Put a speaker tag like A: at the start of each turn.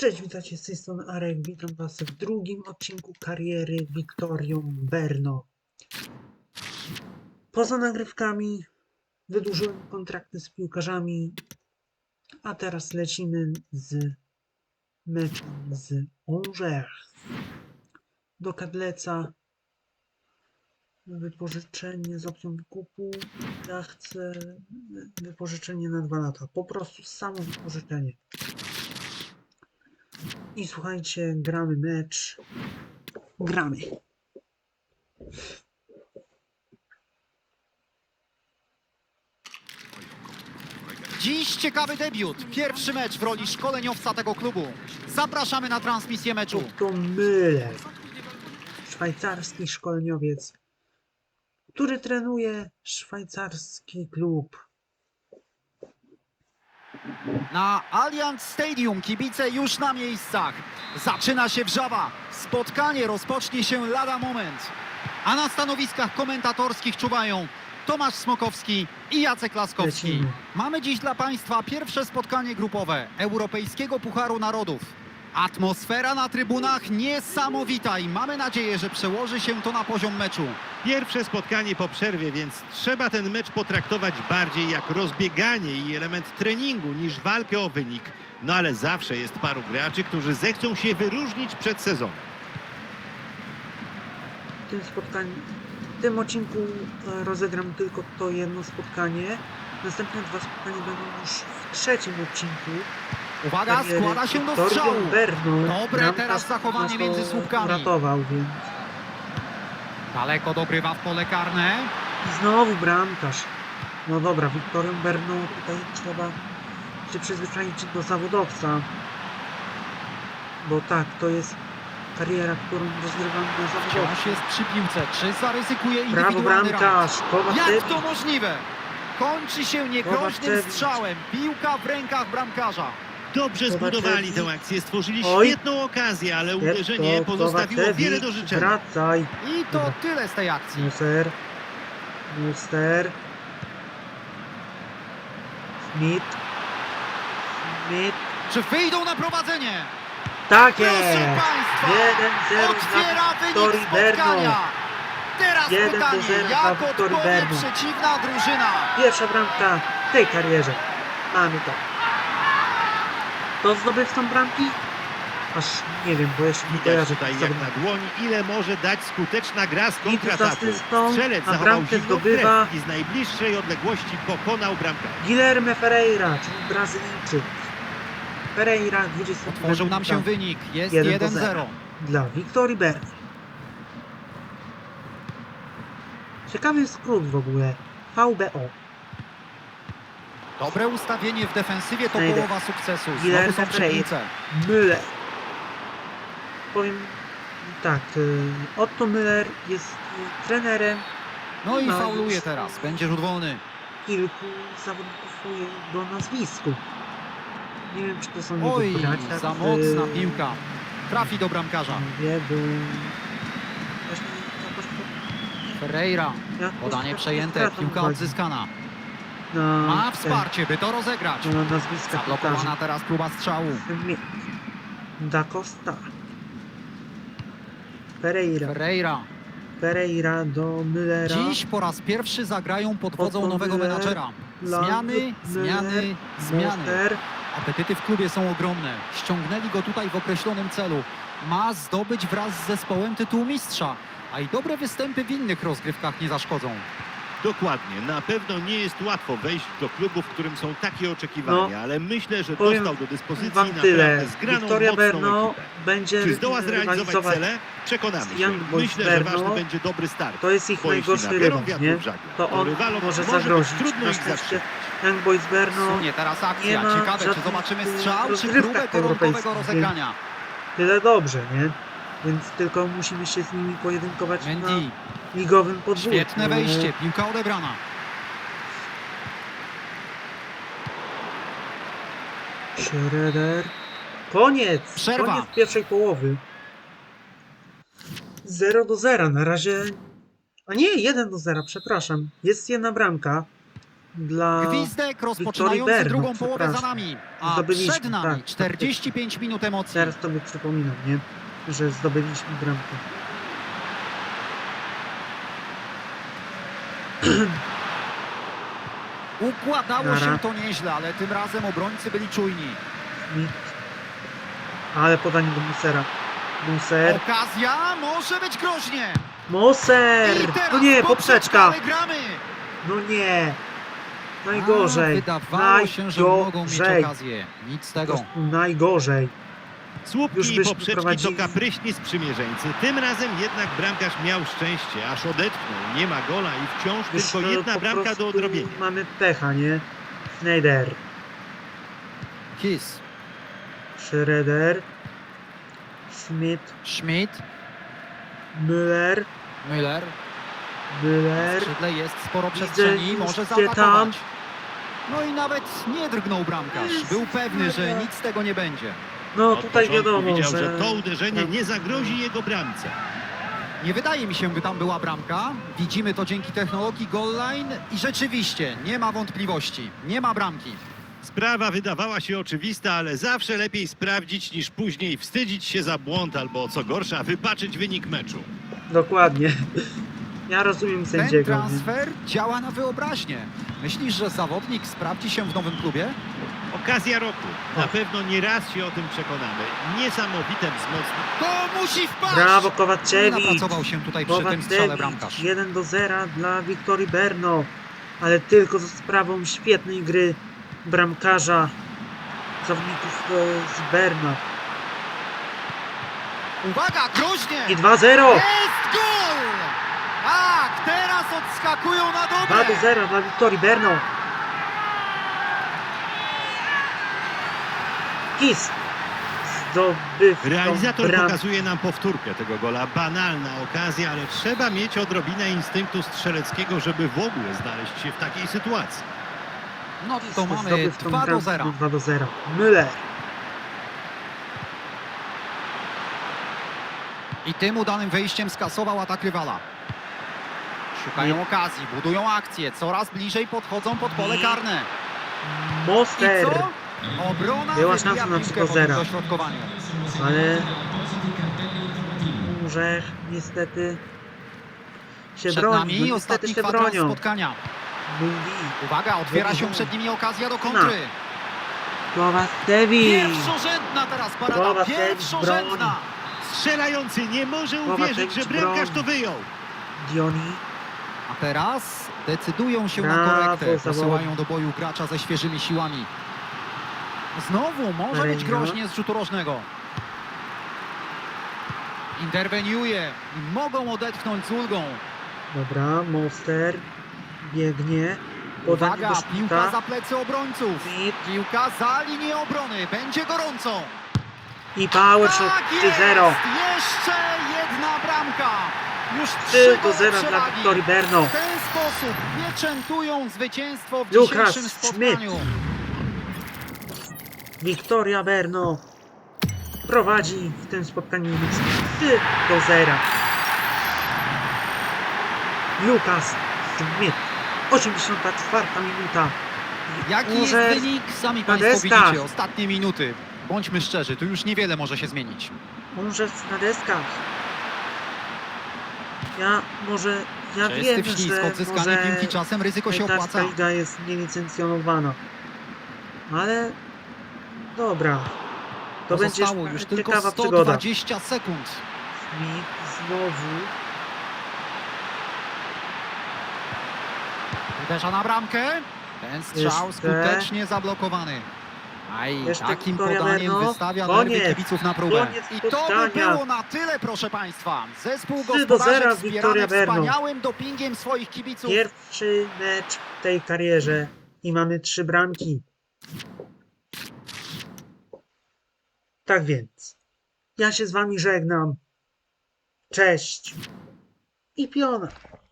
A: Cześć, witajcie z tej strony Arek, witam was w drugim odcinku kariery Wiktorią Berno. Poza nagrywkami wydłużyłem kontrakty z piłkarzami, a teraz lecimy z meczem z Angers. Do Kadleca, wypożyczenie z opcją wykupu. Ja chcę wypożyczenie na 2 lata, po prostu samo wypożyczenie. I słuchajcie, gramy mecz. Gramy.
B: Dziś ciekawy debiut. Pierwszy mecz w roli szkoleniowca tego klubu. Zapraszamy na transmisję meczu.
A: To Müller, szwajcarski szkoleniowiec, który trenuje szwajcarski klub.
B: Na Allianz Stadium kibice już na miejscach. Zaczyna się wrzawa. Spotkanie rozpocznie się lada moment. A na stanowiskach komentatorskich czuwają Tomasz Smokowski i Jacek Laskowski.
A: Lecimy.
B: Mamy dziś dla Państwa pierwsze spotkanie grupowe Europejskiego Pucharu Narodów. Atmosfera na trybunach niesamowita i mamy nadzieję, że przełoży się to na poziom meczu.
C: Pierwsze spotkanie po przerwie, więc trzeba ten mecz potraktować bardziej jak rozbieganie i element treningu niż walkę o wynik. No ale zawsze jest paru graczy, którzy zechcą się wyróżnić przed sezonem.
A: W tym odcinku rozegram tylko to jedno spotkanie. Następne 2 spotkania będą już w trzecim odcinku.
B: Uwaga,
A: kariery
B: składa się do
A: Wiktorią
B: strzału.
A: Berno.
B: Dobre
A: Bramkarz
B: teraz zachowanie
A: nas to
B: między słupkami.
A: uratował, więc
B: Daleko dogrywa w pole karne.
A: i znowu bramkarz. No dobra, Wiktorią Berno, tutaj trzeba się przyzwyczaić do zawodowca. Bo tak, to jest kariera, którą rozgrywam na zawodowcu.
B: Wciąż jest przy piłce. Czy zaryzykuje
A: Brawo
B: indywidualny rajd?
A: bramkarz,
B: Jak
A: Kowaczewicz.
B: to możliwe? Kończy się niegroźnym
A: Kowaczewicz.
B: strzałem. Piłka w rękach bramkarza.
C: Dobrze
A: Kowaczewicz.
C: zbudowali tę akcję, stworzyli
A: Oj.
C: świetną okazję, ale uderzenie pozostawiło wiele do życzenia.
A: Wracaj.
B: I to
A: Dobra.
B: tyle z tej akcji.
A: Muster. Muster. Smith. Smith.
B: Czy wyjdą na prowadzenie?
A: Tak
B: Proszę
A: jest!
B: Państwa,
A: 1-0
B: otwiera
A: dla
B: wynik
A: Wiktorii Berno.
B: spotkania. Teraz
A: 1-0
B: pytanie,
A: dla
B: jak
A: Wiktorii
B: odpowie
A: Berno.
B: przeciwna drużyna?
A: Pierwsza bramka w tej karierze. Mamy to. To zdobywcą bramki? Aż nie wiem, bo jeszcze nie
C: Widać
A: kojarzę.
C: tutaj
A: tych
C: jak
A: zawodników.
C: na dłoni, ile może dać skuteczna gra z
A: z
C: kontrataku.
A: asystą,
C: Strzelec
A: a
C: zachował
A: bramkę
C: zimną
A: zdobywa
C: krew i z najbliższej odległości pokonał bramkę.
A: Guilherme Ferreira, czyli Brazylijczyk. Ferreira, 20.
B: Otworzył nam się wynik. Jest
A: 1-0
B: 1-0.
A: dla Wiktorii Berno. Ciekawy skrót w ogóle. VBO.
B: Dobre ustawienie w defensywie to
A: Znajdę.
B: połowa sukcesu. Znowu
A: Guilherme
B: są przy
A: Ferreira.
B: piłce.
A: Müller. Powiem tak, Otto Müller jest trenerem.
B: No i
A: No,
B: fauluje
A: już-
B: teraz. Będzie rzut wolny.
A: Kilku zawodników o jego nazwisku. Nie wiem, czy to są jego
B: Oj,
A: bracia.
B: za
A: czy-
B: mocna piłka. Trafi do bramkarza.
A: Nie, bo... Właśnie jakoś
B: Ferreira.
A: jakoś
B: Podanie
A: tak
B: przejęte.
A: stracą
B: Piłka
A: uwagi
B: odzyskana.
A: na
B: Ma wsparcie, by to rozegrać.
A: na nazwiska
B: Zablokowana
A: piłkarzy.
B: teraz próba strzału.
A: Da Costa. Ferreira.
B: Ferreira.
A: Do Müllera.
B: Dziś po raz pierwszy zagrają pod wodzą
A: Otto
B: nowego
A: Müller,
B: menadżera. Zmiany,
A: Müller,
B: zmiany, zmiany.
A: Monster.
B: Apetyty w klubie są ogromne. Ściągnęli go tutaj w określonym celu. Ma zdobyć wraz z zespołem tytuł mistrza. A i dobre występy w innych rozgrywkach nie zaszkodzą.
C: Dokładnie, na pewno nie jest łatwo wejść do klubu, w którym są takie oczekiwania,
A: No,
C: ale myślę, że
A: powiem
C: dostał do dyspozycji
A: Wam
C: naprawdę
A: tyle.
C: zgraną,
A: Wiktoria
C: mocną
A: Berno
C: ekipę.
A: będzie
C: Czy zdoła zrealizować
A: rywalizować.
C: cele? Przekonamy
A: z
C: się.
A: Young Boys
C: Myślę, że
A: Berno.
C: ważny będzie dobry start.
A: To jest ich
C: Bo jeśli
A: najgorszy
C: nabiorą
A: rywal,
C: wiatru
A: nie?
C: w żagle,
A: To on
C: rywalom
A: może
C: być
A: zagrozić.
C: trudno
A: Na
C: ich
A: szczęście
C: zatrzymać.
A: Young Boys Berno
B: Sunie teraz
A: nie
B: akcja.
A: ma
B: Ciekawe, czy
A: żadnych,
B: zobaczymy strzał, czy
A: rozgrywkach
B: próbę koronkowego
A: europejskich,
B: rozegrania.
A: tyle dobrze, nie? Więc tylko musimy się z nimi pojedynkować
B: Mendy.
A: na ligowym podwórku.
B: Świetne wejście. Piłka odebrana.
A: Schroeder. Koniec!
B: Przerwa.
A: Koniec pierwszej połowy. 0-0. Na razie... A nie, 1-0, przepraszam. Jest jedna bramka. dla
B: Gwizdek
A: Wiktorii
B: rozpoczynający
A: Berno,
B: drugą połowę za
A: przepraszam.
B: nami, a
A: Zdobyliśmy,
B: przed nami
A: tak.
B: 45 minut emocji.
A: Teraz tobie przypominam, nie? Że zdobyliśmy bramkę.
B: Układało
A: Nara.
B: się to nieźle, ale tym razem obrońcy byli czujni.
A: Smith. Ale podanie do Musera. Muser.
B: Okazja może być groźnie.
A: Moser!
B: I teraz
A: No nie, poprzeczka!
B: ale gramy.
A: No nie! Najgorzej.
B: Wydawało się, że mogą mieć
A: Najgorzej.
B: okazję. Nic z
A: Po
B: tego.
A: prostu najgorzej. Już
C: Słupki i
A: byśmy
C: poprzeczki
A: prowadzili.
C: to kapryśni sprzymierzeńcy. Tym razem jednak bramkarz miał szczęście, aż odetchnął. Nie ma gola i wciąż
A: Już
C: tylko jedna
A: po
C: bramka do
A: prostu
C: odrobienia.
A: mamy pecha, nie? Schneider.
B: Kiss,
A: Schroeder. Smith.
B: Schmidt,
A: Müller.
B: Müller. W
A: Müller.
B: skrzydle jest sporo
A: Widzę
B: przestrzeni,
A: już
B: może
A: cię
B: zaatakować.
A: tam.
B: No i nawet nie drgnął bramkarz. Był pewny, że nic z tego nie będzie.
A: No
C: Od
A: tutaj
C: początku
A: wiadomo,
C: widział,
A: że...
C: to uderzenie nie zagrozi jego bramce.
B: Nie wydaje mi się, by tam była bramka. Widzimy to dzięki technologii goal line i rzeczywiście nie ma wątpliwości. Nie ma bramki.
C: Sprawa wydawała się oczywista, ale zawsze lepiej sprawdzić niż później wstydzić się za błąd albo co gorsza wypaczyć wynik meczu.
A: Dokładnie. Ja rozumiem
B: Ten
A: sędziego. nie?
B: transfer działa na wyobraźnię. Myślisz, że zawodnik sprawdzi się w nowym klubie?
C: Okazja roku. Na pewno nie raz się o tym przekonamy. Niesamowite wzmocnienie.
B: To musi wpaść!
A: Brawo
B: Nie
A: Kowaczewicz.
B: napracował się tutaj przy tym strzale bramkarz.
A: 1-0 dla Wiktorii Berno. Ale tylko za sprawą świetnej gry bramkarza zawodników z Berna.
B: Uwaga, groźnie!
A: I 2-0.
B: Jest gol! Tak, teraz odskakują na dobre.
A: 2-0 dla Wiktorii Berno. Kiss. Zdobywcą
C: Realizator
A: bram.
C: pokazuje nam powtórkę tego gola. Banalna okazja, ale trzeba mieć odrobinę instynktu strzeleckiego, żeby w ogóle znaleźć się w takiej sytuacji.
B: No to mamy
A: Zdobywcą
B: 2-0.
A: 2-0. Müller.
B: I tym udanym wejściem skasował atak rywala. Szukają okazji, budują akcję, coraz bliżej podchodzą pod pole karne. I
A: Moster.
B: co? Obrona
A: Była
B: wybija
A: szansa na
B: piłkę po
A: 3-0.
B: tym dośrodkowaniu.
A: Ale Murzech niestety się
B: Przed
A: broni.
B: nami
A: No, niestety
B: ostatni
A: się
B: kwadrans
A: bronią.
B: spotkania.
A: Mówi
B: Uwaga, otwiera się przed nimi okazja do kontry.
A: Kowaczewicz.
B: Pierwszorzędna teraz parada,
A: Kowaczewicz
B: pierwszorzędna.
C: Strzelający nie może
A: Kowaczewicz
C: uwierzyć, że bramkarz
A: broni.
C: to wyjął.
A: Dioni.
B: A teraz decydują się na
A: Brawo,
B: korektę,
A: zawodnik.
B: posyłają do boju gracza ze świeżymi siłami. Znowu może być
A: Pereira.
B: groźnie z rzutu rożnego. Interweniuje i mogą odetchnąć z ulgą.
A: Dobra, Moster biegnie. Podanie
B: Uwaga,
A: do
B: piłka
A: Schmidta.
B: za plecy obrońców.
A: Schmidt
B: Piłka za linię obrony, będzie gorąco.
A: i power shot
B: Tak
A: 3-0.
B: jest! Jeszcze jedna bramka. Już
A: 3-0 dla
B: przewagi.
A: Wiktorii Berno.
B: W ten sposób pieczętują zwycięstwo w
A: Lukas
B: dzisiejszym spotkaniu.
A: Wiktoria Berno prowadzi w tym spotkaniu 3-0. Lukas Smith. 84 minuta.
B: Jaki
A: Może
B: jest wynik? Sami
A: na
B: Państwo
A: deskach.
B: widzicie. Ostatnie minuty. Bądźmy szczerzy, tu już niewiele może się zmienić.
A: Może na deskach. Ja
B: Czysty
A: wiem,
B: wślizg,
A: że
B: odzyskanie
A: może
B: piłki czasem ryzyko się
A: szwajcarska
B: opłaca.
A: liga jest nielicencjonowana. Ale dobra. To będzie
B: Pozostało już tylko
A: ciekawa przygoda.
B: 120 sekund.
A: Smith znowu.
B: Uderza na bramkę. Ten strzał
A: Jeszcze.
B: skutecznie zablokowany. Aj,
A: Jeszcze
B: takim
A: Wiktoria
B: podaniem
A: Berno.
B: wystawia
A: Koniec.
B: nerwy kibiców na próbę.
A: Koniec
B: I to by
A: spotkania.
B: było na tyle, proszę Państwa. Zespół
A: 3-0
B: gospodarzy
A: Wiktoria
B: wspierany
A: Berno.
B: wspaniałym dopingiem swoich kibiców.
A: Pierwszy mecz w tej karierze i mamy 3 bramki. Tak więc, ja się z wami żegnam. Cześć i piona.